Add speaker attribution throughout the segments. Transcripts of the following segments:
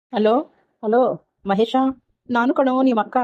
Speaker 1: Hello. Hello Mahesh, ನಾನು ಕಣೋ ನಿಮ್ಮ ಅಕ್ಕ.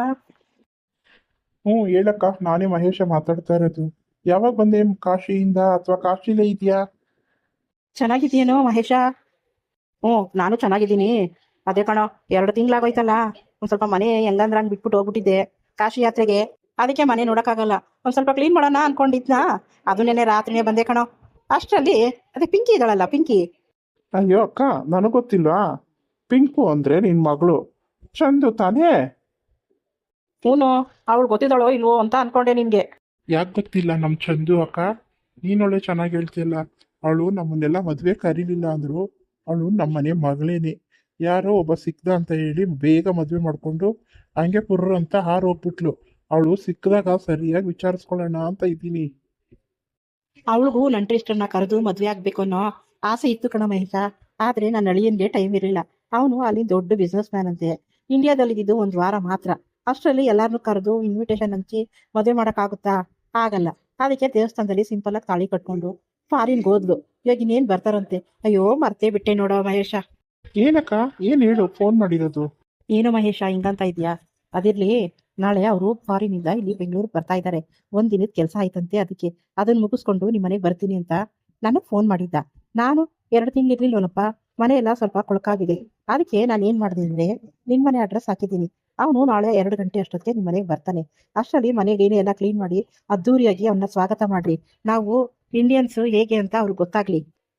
Speaker 2: ಹ್ಞೂ ಹೇಳಕ್ಕ, ನಾನೇ ಮಹೇಶ ಮಾತಾಡ್ತಾ ಇರೋದು. ಯಾವಾಗ ಬಂದೆ ಕಾಶಿಯಿಂದ, ಅಥವಾ ಕಾಶಿಲೇ ಇದೆಯಾ?
Speaker 1: ಚೆನ್ನಾಗಿದ್ದೀನೋ ಮಹೇಶ? ಹ್ಞೂ, ನಾನು ಚೆನ್ನಾಗಿದ್ದೀನಿ. ಅದೇ ಕಣೋ, 2 ತಿಂಗಳಾಗೋಯ್ತಲ್ಲ. ಒಂದು ಸ್ವಲ್ಪ ಮನೆ ಹೆಂಗಂದ್ರೆ ಹಂಗೆ ಬಿಟ್ಬಿಟ್ಟು ಹೋಗ್ಬಿಟ್ಟಿದ್ದೆ ಕಾಶಿ ಯಾತ್ರೆಗೆ. ಅದಕ್ಕೆ ಮನೆ ನೋಡೋಕ್ಕಾಗಲ್ಲ. ಒಂದು ಸ್ವಲ್ಪ ಕ್ಲೀನ್ ಮಾಡೋಣ ಅನ್ಕೊಂಡಿದ್ನಾ. ಅದು ನೆನ್ನೆ ರಾತ್ರಿನೇ ಬಂದೆ ಕಣೋ. ಅಷ್ಟರಲ್ಲಿ ಅದೇ ಪಿಂಕಿ ಇದ್ದಾಳಲ್ಲ, ಪಿಂಕಿ.
Speaker 2: ಅಯ್ಯೋ ಅಕ್ಕ, ನನಗೆ ಗೊತ್ತಿಲ್ವಾ? ಪಿಂಕು ಅಂದರೆ ನಿನ್ನ ಮಗಳು ಚಂದು ತಾನೇ?
Speaker 1: ಹ್ಞೂ, ಅವಳು ಗೊತ್ತಿದ್ದಾಳೋ ಇಲ್ವೋ ಅಂತ ಅನ್ಕೊಂಡೆ ನಿನ್ಗೆ.
Speaker 2: ಯಾಕೆ ಗೊತ್ತಿಲ್ಲ ನಮ್ಮ ಚಂದು ಅಕ್ಕ? ನೀನೊಳ್ಳೆ ಚೆನ್ನಾಗಿ ಹೇಳ್ತಿಯಲ್ಲ. ಅವಳು ನಮ್ಮನ್ನೆಲ್ಲ ಮದುವೆ ಕರೀಲಿಲ್ಲ ಅಂದ್ರು ಅವಳು ನಮ್ಮನೆ ಮಗಳೇನೆ. ಯಾರೋ ಒಬ್ಬ ಸಿಕ್ದ ಅಂತ ಹೇಳಿ ಬೇಗ ಮದುವೆ ಮಾಡಿಕೊಂಡು ಹಂಗೆ ಪುರ್ರ ಅಂತ ಹಾರೋಗ್ಬಿಟ್ಲು. ಅವಳು ಸಿಕ್ಕದಾಗ ಸರಿಯಾಗಿ ವಿಚಾರಿಸ್ಕೊಳ್ಳೋಣ ಅಂತ ಇದ್ದೀನಿ.
Speaker 1: ಅವಳಿಗೂ ನಂಟ್ರಿಷ್ಟನ್ನ ಕರೆದು ಮದುವೆ ಆಗ್ಬೇಕು ಅನ್ನೋ ಆಸೆ ಇತ್ತು ಕಣ ಮಹೇಶ. ಆದ್ರೆ ನನ್ನ ಅಳಿಯನ್ಗೆ ಟೈಮ್ ಇರಲಿಲ್ಲ. ಅವನು ಅಲ್ಲಿ ದೊಡ್ಡ ಬಿಸ್ನೆಸ್ ಮ್ಯಾನ್ ಅಂತೆ. ಇಂಡಿಯಾದಲ್ಲಿದ್ದು 1 ವಾರ ಮಾತ್ರ. ಅಷ್ಟರಲ್ಲಿ ಎಲ್ಲಾರನ್ನೂ ಕರೆದು ಇನ್ವಿಟೇಷನ್ ಹಂಚಿ ಮದುವೆ ಮಾಡೋಕ್ಕಾಗುತ್ತಾ? ಆಗಲ್ಲ. ಅದಕ್ಕೆ ದೇವಸ್ಥಾನದಲ್ಲಿ ಸಿಂಪಲ್ ಆಗಿ ತಾಳಿ ಕಟ್ಕೊಂಡು ಫಾರಿನ್ಗೆ ಹೋದ್ಲು. ಇವಾಗ ಇನ್ನೇನು ಬರ್ತಾರಂತೆ. ಅಯ್ಯೋ ಮರ್ತೇ ಬಿಟ್ಟೆ ನೋಡೋ ಮಹೇಶ.
Speaker 2: ಏನಕ್ಕ, ಏನು ಹೇಳು, ಫೋನ್ ಮಾಡಿರೋದು?
Speaker 1: ಏನೋ ಮಹೇಶ ಹಿಂಗಂತ ಇದೆಯಾ? ಅದಿರ್ಲಿ, ನಾಳೆ ಅವರು ಫಾರಿನಿಂದ ಇಲ್ಲಿ ಬೆಂಗಳೂರಿಗೆ ಬರ್ತಾ ಇದ್ದಾರೆ. 1 ದಿನದ ಕೆಲಸ ಆಯ್ತಂತೆ. ಅದಕ್ಕೆ ಅದನ್ನ ಮುಗಿಸ್ಕೊಂಡು ನಿಮ್ಮ ಮನೆಗೆ ಬರ್ತೀನಿ ಅಂತ ನನಗೆ ಫೋನ್ ಮಾಡಿದ್ದ. ನಾನು 2 ತಿಂಗಳು ಇರ್ಲಿಲ್ವನಪ್ಪ. ಮನೆ ಎಲ್ಲ ಸ್ವಲ್ಪ ಕೊಳಕಾಗಿದೆ. ಅದಕ್ಕೆ ನಾನು ಏನು ಮಾಡಿದೆ ಅಂದರೆ ನಿಮ್ಮ ಮನೆ ಅಡ್ರೆಸ್ ಹಾಕಿದ್ದೀನಿ. ಅವನು ನಾಳೆ 2 ಗಂಟೆ ಅಷ್ಟೊತ್ತಿಗೆ ನಿಮ್ಮ ಮನೆಗೆ ಬರ್ತಾನೆ. ಅಷ್ಟರಲ್ಲಿ ಮನೆಗೆ ಎಲ್ಲ ಕ್ಲೀನ್ ಮಾಡಿ ಅದ್ದೂರಿಯಾಗಿ ಅವನ್ನ ಸ್ವಾಗತ ಮಾಡ್ರಿ. ನಾವು ಇಂಡಿಯನ್ಸ್ ಹೇಗೆ ಅಂತ ಅವ್ರಿಗೆ ಗೊತ್ತಾಗ್ಲಿ.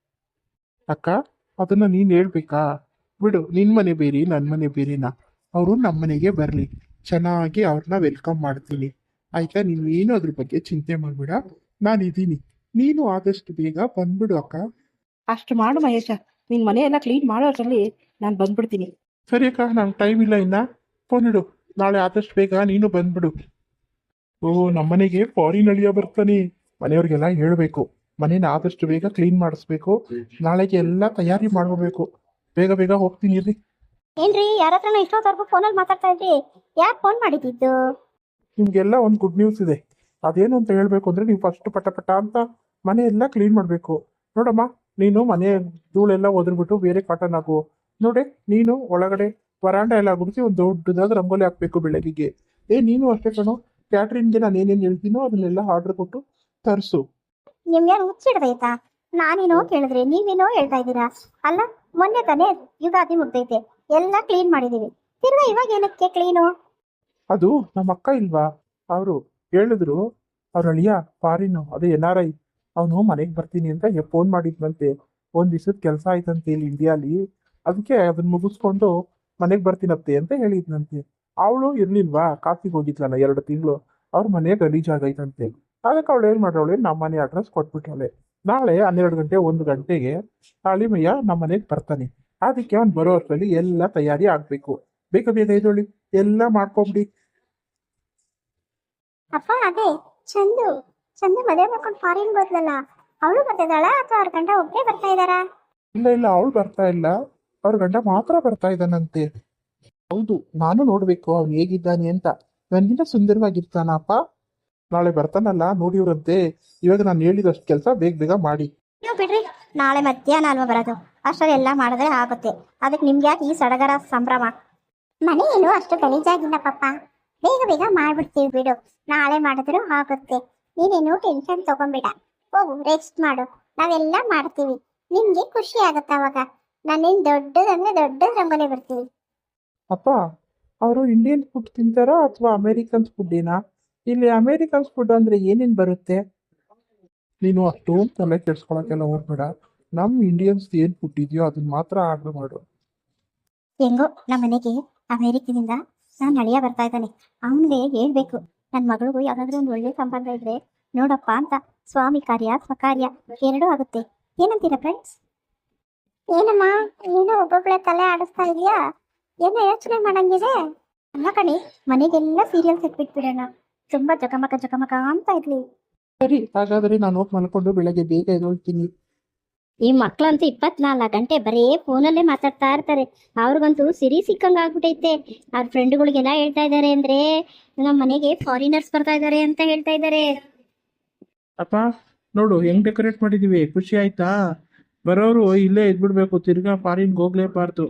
Speaker 2: ಅಕ್ಕ, ಅದನ್ನ ನೀನ್ ಹೇಳ್ಬೇಕಾ? ಬಿಡು, ನಿನ್ ಮನೆ ಬೇರೆ ನನ್ನ ಮನೆ ಬೇರೆನಾ? ಅವರು ನಮ್ಮ ಮನೆಗೆ ಬರಲಿ, ಚೆನ್ನಾಗಿ ಅವ್ರನ್ನ ವೆಲ್ಕಮ್ ಮಾಡ್ತೀನಿ. ಆಯ್ತಾ? ನೀನು ಏನು ಅದ್ರ ಬಗ್ಗೆ ಚಿಂತೆ ಮಾಡ್ಬೇಡ, ನಾನಿದ್ದೀನಿ. ನೀನು ಆದಷ್ಟು ಬೇಗ ಬಂದ್ಬಿಡು ಅಕ್ಕ.
Speaker 1: ಅಷ್ಟು ಮಾಡು ಮಹೇಶ. ನಿನ್ನ ಮನೆ ಎಲ್ಲ ಕ್ಲೀನ್ ಮಾಡೋ ಅಷ್ಟರಲ್ಲಿ ನಾನು ಬಂದ್ಬಿಡ್ತೀನಿ.
Speaker 2: ಸರಿ ಅಕ್ಕ, ನಂಗೆ ಟೈಮ್ ಇಲ್ಲ ಇನ್ನ. ಫೋನ್ ಇಡು. ನಾಳೆ ಆದಷ್ಟು ಬೇಗ ನೀನು ಬಂದ್ಬಿಡು. ಓ, ನಮ್ಮನೆಗೆ ಫಾರಿನ್ ಅಳಿಯ ಬರ್ತಾನೆ. ಮನೆಯವ್ರಿಗೆಲ್ಲ ಹೇಳ್ಬೇಕು, ಮನೇನ ಆದಷ್ಟು ಬೇಗ ಕ್ಲೀನ್ ಮಾಡಿಸ್ಬೇಕು. ನಾಳೆಗೆ ಎಲ್ಲ ತಯಾರಿ ಮಾಡ್ಕೋಬೇಕು. ಬೇಗ ಬೇಗ ಹೋಗ್ತೀನಿ ಇರ್ರಿ.
Speaker 3: ಏನ್ರಿ, ಯಾರ ಹತ್ರನೋ ಇಷ್ಟೊತ್ತವರೆಗೂ ಫೋನಲ್ಲಿ ಮಾತಾಡ್ತಾ ಇದ್ರಿ? ಯಾಕೆ ಫೋನ್ ಮಾಡಿದ್ದು?
Speaker 2: ನಿಮ್ಗೆಲ್ಲ ಒಂದು ಗುಡ್ ನ್ಯೂಸ್ ಇದೆ. ಅದೇನು ಅಂತ ಹೇಳ್ಬೇಕು ಅಂದ್ರೆ, ನೀವು ಫಸ್ಟ್ ಪಟ ಪಟ ಅಂತ ಮನೆ ಎಲ್ಲ ಕ್ಲೀನ್ ಮಾಡಬೇಕು. ನೋಡಮ್ಮ, ನೀನು ಮನೆ ಧೂಳೆಲ್ಲ ಒದರ್ಬಿಟ್ಟು ಬೇರೆ ಕಾಟನ್ ಹಾಕು. ನೋಡಿ, ನೀನು ಒಳಗಡೆ ವರಾಂಡ ಎಲ್ಲ ಗುಡಿಸಿ ಒಂದು ದೊಡ್ಡದಾದ ರಂಗೋಲಿ ಹಾಕ್ಬೇಕು ಬೆಳಗ್ಗೆಗೆ. ನೀನು ಅಷ್ಟೇ ಕಣೋ. ಕ್ಯಾಟ್ರಿನ್ಗೆ ನಾನು ಏನೇನು ಹೇಳ್ತೀನೋ ಅದನ್ನೆಲ್ಲ ಆರ್ಡರ್ ಕೊಟ್ಟು ತರಿಸು.
Speaker 3: ನಿಮ್ಗೇನು ಹುಚ್ಚಿಡ್ದೈತಾ? ನಾನೇನೋ ಕೇಳಿದ್ರೆ ನೀವೇನೋ ಹೇಳ್ತಾ ಇದ್ದೀರಾ. ಅಲ್ಲ, ಮೊನ್ನೆ ತಾನೇ ಯುಗಾದಿ ಮುಗ್ದೈತೆ, ಎಲ್ಲ ಕ್ಲೀನ್ ಮಾಡಿದೀವಿ. ತಿರ್ಗಾ ಇವಾಗ ಏನಕ್ಕೆ ಕ್ಲೀನು?
Speaker 2: ಅದು ನಮ್ಮ ಅಕ್ಕ ಇಲ್ವಾ, ಅವರು ಹೇಳಿದ್ರು. ಅವ್ರ ಅಳಿಯ ಫಾರಿನ್, ಅದೇ NRI. ಅವನು ಮನೆಗೆ ಬರ್ತೀನಿ ಅಂತ ಫೋನ್ ಮಾಡಿದ್ನಂತೆ. 1 ದಿವಸದ ಕೆಲಸ ಆಯ್ತಂತೆ ಇಲ್ಲಿ ಇಂಡಿಯಾಲಿ. ಅದಕ್ಕೆ ಅದನ್ನ ಮುಗಿಸ್ಕೊಂಡು ಮನೆಗೆ ಬರ್ತೀನತ್ತೆ ಅಂತ ಹೇಳಿದ್ನಂತೆ. ಅವಳು ಇರ್ಲಿಲ್ವಾ, ಕಾಫಿಗೆ ಹೋಗಿದ್ಲಲ್ಲ 2 ತಿಂಗಳು. ಅವ್ರ ಮನೆ ಗಲೀಜಾಗೈತಂತೆ. ಅದಕ್ಕೆ ಅವಳು ಏನ್ ಮಾಡ್ರವಳೆ, ನಮ್ಮ ಮನೆ ಅಡ್ರೆಸ್ ಕೊಟ್ಬಿಟ್ಟವಳೆ. ನಾಳೆ 12 ಗಂಟೆ 1 ಗಂಟೆಗೆ ಅಳಿಮಯ್ಯ ನಮ್ಮ ಮನೆಗೆ ಬರ್ತಾನೆ. ಅದಕ್ಕೆ ಅವ್ನು ಬರೋ ಅಷ್ಟರಲ್ಲಿ ಎಲ್ಲ ತಯಾರಿ ಆಗ್ಬೇಕು. ಬೇಗ ಬೇಗ ಇದೊಳ್ಳಿ, ಎಲ್ಲ ಮಾಡ್ಕೊಂಬಿಡಿ.
Speaker 3: ಅಪ್ಪ, ಅದೇ ಚಂದು ಚಂದು ಮದುವೆ ಮಾಡ್ಕೊಂಡು ಫಾರಿನ್ ಹೋದ್ಲಲ್ಲ, ಅವಳು ಬರ್ತಿದ್ದಾಳ ಅಥವಾ ಅವ್ರ ಗಂಡ ಒಬ್ಬರೇ ಬರ್ತಾ ಇದ್ದಾರಾ?
Speaker 2: ಇಲ್ಲ ಇಲ್ಲ, ಅವಳು ಬರ್ತಾ ಇಲ್ಲ. ಅವ್ರ ಗಂಡ ಮಾತ್ರ ಬರ್ತಾ ಇದ್ದಾನಂತೆ. ಹೌದು, ನಾನು ನೋಡ್ಬೇಕು ಅವ್ನು ಹೇಗಿದ್ದಾನೆ ಅಂತ. ನನ್ಗಿಂತ ಸುಂದರವಾಗಿರ್ತಾನಪ್ಪ. ನಾಳೆ ಬರ್ತಾನಲ್ಲ, ನೋಡಿವ್ರಂತೆ. ಇವಾಗ ನಾನು ಹೇಳಿದಷ್ಟು ಕೆಲಸ ಬೇಗ ಬೇಗ ಮಾಡಿ.
Speaker 3: ನೀವು ಬಿಡ್ರಿ, ನಾಳೆ ಮಧ್ಯಾಹ್ನ ಅಲ್ವಾ ಬರೋದು? ಅಷ್ಟರಲ್ಲಿ ಎಲ್ಲ ಮಾಡಿದ್ರೆ ಆಗುತ್ತೆ. ಅದಕ್ಕೆ ನಿಮ್ಗೆ ಯಾಕೆ ಈ ಸಡಗರ ಸಂಭ್ರಮ? ಮನೆ ಏನು ಅಷ್ಟು ಗಲೀಜಾಗಿಲ್ಲ ಪಪ್ಪ, ಬೇಗ ಬೇಗ ಮಾಡ್ಬಿಡ್ತೀವಿ ಬಿಡು. ನಾಳೆ ಮಾಡಿದ್ರು ಆಗುತ್ತೆ. ನೀನೇನು ಟೆನ್ಷನ್ ತಗೊಂಬೇಡ, ಹೋಗು ರೆಸ್ಟ್ ಮಾಡು. ನಾವೆಲ್ಲ ಮಾಡ್ತೀವಿ, ನಿಮ್ಗೆ ಖುಷಿ ಆಗತ್ತ ಅವಾಗ. ನಾನೇನು ದೊಡ್ಡದಂದ್ರೆ ದೊಡ್ಡ ರಂಗೋಲಿ ಬರ್ತೀವಿ.
Speaker 2: ಅಪ್ಪ, ಅವರು ಇಂಡಿಯನ್ ಫುಡ್ ತಿಂತಾರಾ ಅಥವಾ ಅಮೇರಿಕನ್ಸ್ ಫುಡ್ ಏನಾ? ಇಲ್ಲಿ ಅಮೇರಿಕನ್ಸ್ ಫುಡ್ ಅಂದ್ರೆ ಏನೇನು ಬರುತ್ತೆ? ನೀನು ಅಷ್ಟೊಂದು ತಲೆ ಕೆಡ್ಸ್ಕೊಳಕ್ಕೆಲ್ಲ ಹೋಗ್ಬೇಡ. ನಮ್ಮ ಇಂಡಿಯನ್ಸ್ ಏನು ಫುಡ್ ಇದೆಯೋ ಅದನ್ನ ಮಾತ್ರ ಆರ್ಡರ್ ಮಾಡು.
Speaker 3: ಹೆಂಗೋ ನಮ್ಮ ಮನೆಗೆ ಅಮೇರಿಕದಿಂದ ನಾನು ಅಳಿಯ ಬರ್ತಾ ಇದ್ದಾನೆ. ಅವನಿಗೆ ಹೇಳ್ಬೇಕು, ನನ್ನ ಮಗಳಿಗೂ ಯಾವ್ದಾದ್ರು ಒಂದು ಒಳ್ಳೆ ಸಂಬಂಧ ಇದ್ರೆ ನೋಡಪ್ಪ ಅಂತ. ಸ್ವಾಮಿ ಕಾರ್ಯ ಸ್ವಕಾರ್ಯ ಎರಡೂ ಆಗುತ್ತೆ. ಏನಂತೀರಾ ಫ್ರೆಂಡ್ಸ್? ಏನಮ್ಮ, ಏನೋ ಒಬ್ಬೊಬ್ಳೆ ತಲೆ ಆಡಿಸ್ತಾ ಇದೆಯಾ? ಏನೋ ಯೋಚನೆ ಮಾಡಂಗಿದೆ? ಅಲ್ಲ ಕಣಿ, ಮನೆಗೆಲ್ಲ ಸೀರಿಯಲ್ಸ್ ಇಟ್ಬಿಟ್ಬಿಡೋಣ. ತುಂಬಾ ಜಗಮಗ ಜಗಮಗ ಅಂತ ಇರ್ಲಿ.
Speaker 2: ಸರಿ, ಹಾಗಾದ್ರೆ ನಾನು ಹೋಗಿ ಮಲ್ಕೊಂಡು ಬೆಳಗ್ಗೆ ಬೇಗ ಎದ್ದೇಳ್ತೀನಿ.
Speaker 3: ಈ ಮಕ್ಳಂತೂ 24 ಗಂಟೆ ಬರೀ ಫೋನಲ್ಲೇ ಮಾತಾಡ್ತಾ ಇರ್ತಾರೆ. ಅವ್ರಿಗಂತೂ ಸಿರಿ ಸಿಕ್ಕಂಗೆ ಆಗ್ಬಿಟ್ಟೈತೆ. ಅವ್ರ ಫ್ರೆಂಡ್ಗಳಿಗೆಲ್ಲ ಹೇಳ್ತಾ ಇದ್ದಾರೆ ಅಂದ್ರೆ ನಮ್ಮ ಮನೆಗೆ ಫಾರಿನರ್ಸ್ ಬರ್ತಾ ಇದ್ದಾರೆ ಅಂತ ಹೇಳ್ತಾ ಇದ್ದಾರೆ.
Speaker 2: ಅಪ್ಪ, ನೋಡು ಹೆಂಗ್ ಡೆಕೋರೇಟ್ ಮಾಡಿದೀವಿ, ಖುಷಿ ಆಯ್ತಾ? ಬರೋರು ಇಲ್ಲೇ ಇದ್ಬಿಡ್ಬೇಕು, ತಿರ್ಗಾ ಫಾರಿನ್ಗೆ ಹೋಗ್ಲೇಬಾರ್ದು.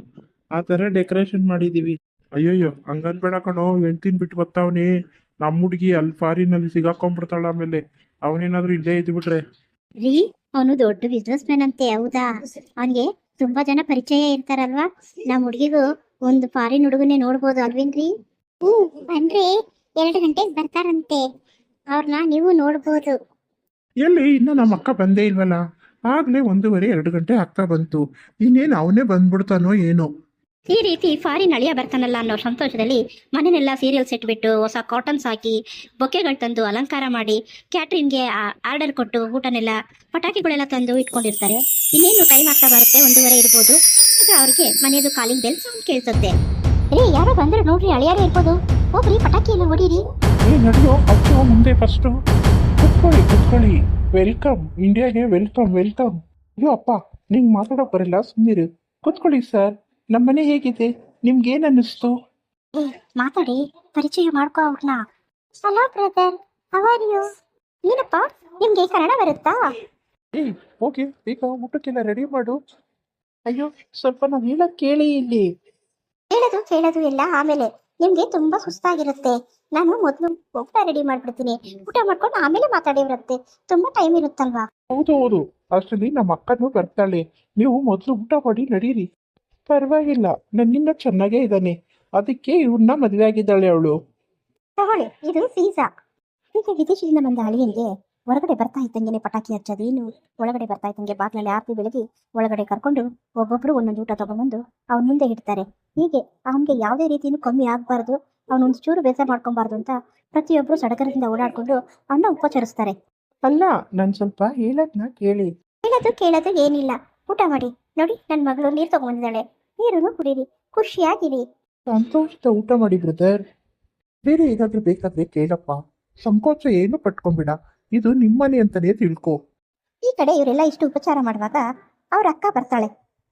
Speaker 2: ಆ ಥರ ಡೆಕೋರೇಷನ್ ಮಾಡಿದೀವಿ. ಅಯ್ಯಯ್ಯೋ ಹಂಗನ್ಬೇಡ ಕಣೋ, ಹೆಂಡ್ತಿನ್ ಬಿಟ್ಟು ಬರ್ತಾವನಿ. ನಮ್ಮ ಹುಡುಗಿ ಅಲ್ಲಿ ಫಾರಿನಲ್ಲಿ ಸಿಗಾಕೊಂಡ್ಬಿಡ್ತಾಳ ಆಮೇಲೆ. ಅವನೇನಾದ್ರೂ ಇಲ್ಲೇ ಇದ್ಬಿಟ್ರೆ.
Speaker 3: ರೀ, ಅವನು ದೊಡ್ಡ ಬಿಸ್ನೆಸ್ ಮ್ಯಾನ್ ಅಂತೆ, ಹೌದಾ? ಅವನಿಗೆ ತುಂಬಾ ಜನ ಪರಿಚಯ ಇರ್ತಾರಲ್ವಾ? ನಮ್ಮ ಹುಡುಗಿಗೂ ಒಂದು ಫಾರಿನ್ ಹುಡುಗನೇ ನೋಡ್ಬೋದು ಅಲ್ವೇನ್ರಿ? ಅಂದ್ರೆ 2 ಗಂಟೆಗೆ ಬರ್ತಾರಂತೆ. ಅವ್ರನ್ನ ನೀವು ನೋಡ್ಬೋದು.
Speaker 2: ಎಲ್ಲಿ ಇನ್ನು ನಮ್ಮ ಅಕ್ಕ ಬಂದೇ ಇಲ್ವಲ್ಲ? ಆಗ್ಲೇ 1:30 2 ಗಂಟೆ ಆಗ್ತಾ ಬಂತು. ಇನ್ನೇನು ಅವನೇ ಬಂದ್ಬಿಡ್ತಾನೋ ಏನೋ.
Speaker 3: ಈ ರೀತಿ ಫಾರಿನ್ ಅಳಿಯ ಬರ್ತಾನಲ್ಲ ಅನ್ನೋ ಸಂತೋಷದಲ್ಲಿ ಮನೆನೆಲ್ಲ ಸೀರಿಯಲ್ ಸೆಟ್ ಬಿಟ್ಟು ಹೊಸ ಕಾಟನ್ಸ್ ಹಾಕಿ ಬೊಕ್ಕೆಗಳು ತಂದು ಅಲಂಕಾರ ಮಾಡಿ ಕ್ಯಾಟ್ರಿಂಗ್ಗೆ ಆರ್ಡರ್ ಕೊಟ್ಟು ಊಟನೆಲ್ಲ ಪಟಾಕಿಗಳೆಲ್ಲ ತಂದು ಇಟ್ಕೊಂಡಿರ್ತಾರೆ. ಇನ್ನೇನು ಟೈಮ್ ಆಗ್ತಾ ಬರುತ್ತೆ, 1:30 ಇರ್ಬೋದು. ಆಗ ಅವ್ರಿಗೆ ಮನೆಯದು ಕಾಲಿಂಗ್ ಬೆಲ್ ಸೌಂಡ್ ಕೇಳಿಸುತ್ತೆ. ಯಾರೋ ಬಂದ್ರೆ ನೋಡ್ರಿ, ಅಳಿಯಾರೇ ಇರ್ಬೋದು. ಹೋಗ್ರಿ, ಪಟಾಕಿ ಎಲ್ಲ ಹೊಡೀರಿ.
Speaker 2: ನಡೆಯೋ ಅಚ್ಚೋ ಮುಂದೆ ಫಸ್ಟು. ಕುತ್ಕೊಳ್ಳಿ. ವೆಲ್ಕಮ್ ಇಂಡಿಯಾಗೆ, ವೆಲ್ಕಮ್ ವೆಲ್ಕಮ್. ಅಯ್ಯೋ ಅಪ್ಪ, ನಿಂಗೆ ಮಾತಾಡೋಕೆ ಬರಲ್ಲ, ಸುಮ್ಮನಿರು. ಕುತ್ಕೊಳ್ಳಿ ಸರ್. ನಮ್ಮನೆ ಹೇಗಿದೆ? ನಿಮ್ಗೇನು ಅನ್ನಿಸ್ತು?
Speaker 3: ಮಾತಾಡಿ, ಪರಿಚಯ ಮಾಡ್ಕೋ ಅವ್ರನ್ನ. Hello brother, how are you? ಏನಪ್ಪ, ನಿಮ್ಗೆ ಕನ್ನಡ ಬರುತ್ತಾ?
Speaker 2: ಹೋಗಿ ಈಗ ಊಟಕ್ಕೆಲ್ಲ ರೆಡಿ ಮಾಡು. ಅಯ್ಯೋ ಸ್ವಲ್ಪ ನಾವು ಹೇಳೋದು ಕೇಳಿ ಇಲ್ಲಿ.
Speaker 3: ಕೇಳೋದು ಎಲ್ಲ ಆಮೇಲೆ. ನಿಮ್ಗೆ ತುಂಬಾ ಸುಸ್ತಾಗಿರುತ್ತೆ. ನಾನು ಮೊದಲು ಊಟ ರೆಡಿ ಮಾಡ್ಬಿಡ್ತೀನಿ. ಊಟ ಮಾಡ್ಕೊಂಡು ಆಮೇಲೆ ಮಾತಾಡಿರುತ್ತೆ. ತುಂಬಾ ಟೈಮ್ ಇರುತ್ತಲ್ವಾ?
Speaker 2: ಹೌದು, ಅಷ್ಟರಲ್ಲಿ ನಮ್ಮ ಅಕ್ಕನೂ ಬರ್ತಾಳೆ. ನೀವು ಮೊದಲು ಊಟ ಮಾಡಿ ನಡೀರಿ. ಪರವಾಗಿಲ್ಲ, ನನ್ನಿಂದ ಚೆನ್ನಾಗೇ ಇದ್ದಾನೆ. ಅದಕ್ಕೆ ಇವ್ರನ್ನ ಮದುವೆ ಆಗಿದ್ದಾಳೆ ಅವಳು.
Speaker 3: ತಗೊಳ್ಳಿ, ಇದು ಪಿಜ್ಜಾ. ಈಗ ವಿದೇಶದಿಂದ ಬಂದ ಅಳಿಯನ್ಗೆ ಹೊರಗಡೆ ಬರ್ತಾ ಇದ್ದಂಗೆನೆ ಪಟಾಕಿ ಹಚ್ಚೋದೇನು, ಒಳಗಡೆ ಬರ್ತಾ ಇದ್ದಂಗೆ ಬಾಗ್ಲಲ್ಲಿ ಆರತಿ ಬೆಳಗಿ ಒಳಗಡೆ ಕರ್ಕೊಂಡು ಒಬ್ಬೊಬ್ರು ಒಂದೊಂದು ಊಟ ತಗೊಂಡ್ಬಂದು ಅವ್ನ ಮುಂದೆ ಇಡ್ತಾರೆ. ಹೀಗೆ ಅವನಿಗೆ ಯಾವುದೇ ರೀತಿಯೂ ಕಮ್ಮಿ ಆಗಬಾರ್ದು, ಅವನೊಂದು ಚೂರು ಬೇಸರ ಮಾಡ್ಕೊಬಾರ್ದು ಅಂತ ಪ್ರತಿಯೊಬ್ಬರು ಸಡಗರದಿಂದ ಓಡಾಡ್ಕೊಂಡು ಅವನ್ನ ಉಪಚರಿಸ್ತಾರೆ.
Speaker 2: ಅಲ್ಲ, ನಾನು ಸ್ವಲ್ಪ ಹೇಳೋದನ್ನ ಕೇಳಿ.
Speaker 3: ಕೇಳೋದು ಏನಿಲ್ಲ, ಊಟ ಮಾಡಿ. ನೋಡಿ, ನನ್ನ ಮಗಳು ನೀರು ತಗೊಂಡಿದ್ದಾಳೆ, ನೀರನ್ನು ಕುಡೀರಿ, ಖುಷಿಯಾಗಿರಿ.
Speaker 2: ಸಂತೋಷದ ಊಟ ಮಾಡಿ ಬ್ರದರ್. ಬೇರೆ ಏನಾದ್ರೂ ಬೇಕಾದ್ರೆ ಕೇಳಪ್ಪ, ಸಂಕೋಚ ಏನು ಪಟ್ಕೊಂಬಿಡ. ಇದು ನಿಮ್ಮನೆ ಅಂತಾನೆ ತಿಳ್ಕೊ.
Speaker 3: ಈ ಕಡೆ ಇವರೆಲ್ಲ ಇಷ್ಟು ಉಪಚಾರ ಮಾಡುವಾಗ ಅವ್ರ ಅಕ್ಕ ಬರ್ತಾಳೆ.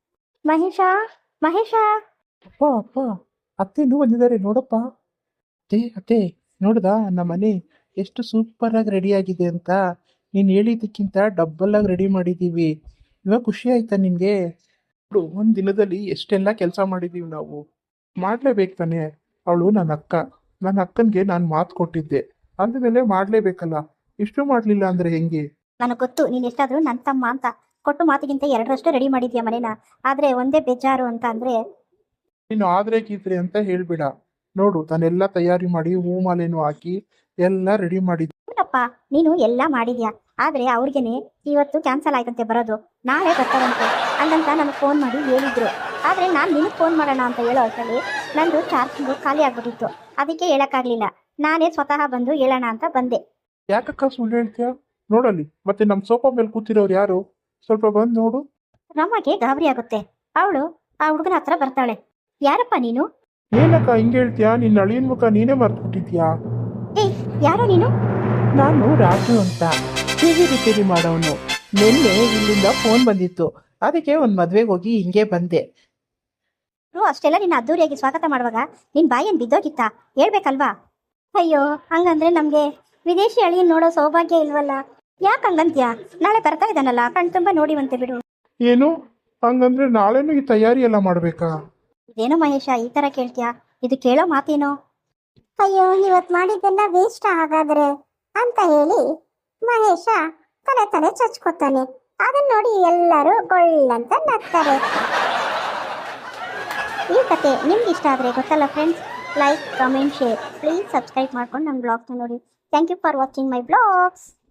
Speaker 3: ಮಹೇಶ.
Speaker 2: ಅಪ್ಪ, ಅತ್ತೆನೂ ಬಂದಿದ್ದಾರೆ ನೋಡಪ್ಪ. ಅತ್ತೆ ನೋಡ್ದಾ ನಮ್ಮ ಮನೆ ಎಷ್ಟು ಸೂಪರ್ ಆಗಿ ರೆಡಿ ಆಗಿದೆ ಅಂತ? ನೀನು ಹೇಳಿದ್ದಕ್ಕಿಂತ ಡಬ್ಬಲ್ ಆಗಿ ರೆಡಿ ಮಾಡಿದ್ದೀವಿ. ಇವಾಗ ಖುಷಿ ಆಯ್ತಾ ನಿನಗೆ? ಒಂದು ದಿನದಲ್ಲಿ ಎಷ್ಟೆಲ್ಲ ಕೆಲಸ ಮಾಡಿದ್ದೀವಿ ನಾವು. ಮಾಡಲೇಬೇಕು ತಾನೆ. ಅವಳು ನನ್ನ ಅಕ್ಕನಿಗೆ ನಾನು ಮಾತು ಕೊಟ್ಟಿದ್ದೆ, ಅಂದಮೇಲೆ ಮಾಡಲೇಬೇಕಲ್ಲ. ಇಷ್ಟು ಮಾಡಲಿಲ್ಲ ಅಂದರೆ ಹೆಂಗೆ?
Speaker 3: ನನಗೆ ಗೊತ್ತು, ನೀನು ಎಷ್ಟಾದರೂ ನನ್ನ ತಮ್ಮ ಅಂತ. ಕೊಟ್ಟು ಮಾತಿಗಿಂತ 2ರಷ್ಟು ರೆಡಿ ಮಾಡಿದ್ಯಾ ಮನೇನ. ಆದರೆ ಒಂದೇ ಬೇಜಾರು ಅಂತ ಅಂದರೆ,
Speaker 2: ನೀನು ಆದ್ರೆ ಗೀತ್ರೆ ಅಂತ ಹೇಳ್ಬೇಡ. ನೋಡು, ನಾನೆಲ್ಲ ತಯಾರಿ ಮಾಡಿ ಹೂ ಮಾಲೆನೂ ಹಾಕಿ ಎಲ್ಲ ರೆಡಿ ಮಾಡಿದ್ದೆ.
Speaker 3: ಏನಪ್ಪ ನೀನು ಎಲ್ಲ ಮಾಡಿದ್ಯಾ, ಆದರೆ ಅವ್ರಿಗೇನೆ ಇವತ್ತು ಕ್ಯಾನ್ಸಲ್ ಆಯ್ತಂತೆ ಬರೋದು, ನಾಳೆ ಬರ್ತಾರಂತೆ ಹಂಗಂತ ನನಗೆ ಫೋನ್ ಮಾಡಿ ಹೇಳಿದ್ರು. ಆದರೆ ನಾನು ನಿನಗೆ ಫೋನ್ ಮಾಡೋಣ ಅಂತ ಹೇಳೋ ಅಷ್ಟರಲ್ಲಿ ನಂದು ಚಾರ್ಜಿಂಗು ಖಾಲಿ ಆಗ್ಬಿಟ್ಟಿತ್ತು. ಅದಕ್ಕೆ ಹೇಳೋಕ್ಕಾಗಲಿಲ್ಲ. ನಾನೇ ಸ್ವತಃ ಬಂದು ಹೇಳೋಣ ಅಂತ ಬಂದೆ.
Speaker 2: ಯಾಕಕ್ಕ ಸುಳ್ಳು ಹೇಳ್ತೀಯ? ನೋಡಲ್ಲಿ, ಮತ್ತೆ ನಮ್ಮ ಸೋಫಾ ಮೇಲೆ ಕೂತಿರೋರು ಯಾರು? ಸ್ವಲ್ಪ ಬಂದು ನೋಡು.
Speaker 3: ರಮ್ಮಗೆ ಗಾಬರಿ ಆಗುತ್ತೆ. ಅವಳು ಆ ಹುಡುಗನ ಹತ್ರ ಬರ್ತಾಳೆ. ಯಾರಪ್ಪ ನೀನು?
Speaker 2: ಏನಕ್ಕ ಹಿಂಗೆ ಹೇಳ್ತೀಯಾ? ನಿನ್ನ ಅಳಿಯನ ಮುಖ ನೀನೇ ಮರ್ತ್ಬಿಟ್ಟಿದ್ಯಾ?
Speaker 3: ಯಾರು ನೀನು?
Speaker 2: ನಾನು ರಾಜು ಅಂತ, ಟಿವಿ ರಿಪೇರಿ ಮಾಡೋನು. ನಿನ್ನೆ ಇಲ್ಲಿಂದ ಫೋನ್ ಬಂದಿತ್ತು, ಅದಕ್ಕೆ ಒಂದು ಮದುವೆಗೆ ಹೋಗಿ ಹಿಂಗೆ ಬಂದೆ.
Speaker 3: ಅಷ್ಟೆಲ್ಲ ನಿನ್ನ ಅದ್ದೂರಿಯಾಗಿ ಸ್ವಾಗತ ಮಾಡುವಾಗ ನಿನ್ನ ಬಾಯೇನು ಬಿದ್ದೋಗಿತ್ತಾ? ಹೇಳ್ಬೇಕಲ್ವಾ? ಅಯ್ಯೋ, ಹಂಗಂದ್ರೆ ನಮಗೆ ವಿದೇಶಿ ಅಳಿಯನ್ ನೋಡೋ ಸೌಭಾಗ್ಯ ಇಲ್ವಲ್ಲ. ಯಾಕೆ ಹಂಗಂತ್ಯಾ? ನಾಳೆ ಬರ್ತಾ ಇದ್ದಾನಲ್ಲ, ಕಣ್ ತುಂಬ ನೋಡಿವಂತೆ ಬಿಡು.
Speaker 2: ಏನು ಹಂಗಂದ್ರೆ ನಾಳೆನೂ ಈ ತಯಾರಿ ಎಲ್ಲ ಮಾಡ್ಬೇಕಾ?
Speaker 3: ಇದೇನೋ ಮಹೇಶ, ಈ ಥರ ಕೇಳ್ತೀಯಾ? ಇದು ಕೇಳೋ ಮಾತೇನೋ? ಅಯ್ಯೋ, ಇವತ್ತು ಮಾಡಿದ್ದೆಲ್ಲ ವೇಸ್ಟ್ ಹಾಗಾದ್ರೆ ಅಂತ ಹೇಳಿ ಮಹೇಶ ತಲೆ ಚಚ್ಕೋತಾನೆ. ಅದನ್ನ ನೋಡಿ ಎಲ್ಲರೂ ಗೊಳ್ಳಂತ ನಗ್ತಾರೆ. ಈ ಕತೆ ನಿಮ್ಗೆ ಇಷ್ಟ ಆದರೆ ಗೊತ್ತಲ್ಲ friends, like, comment, share. Please subscribe ಮಾಡ್ಕೊಂಡು ನನ್ನ ಬ್ಲಾಗ್ನ ನೋಡಿ. Thank you for watching my blogs.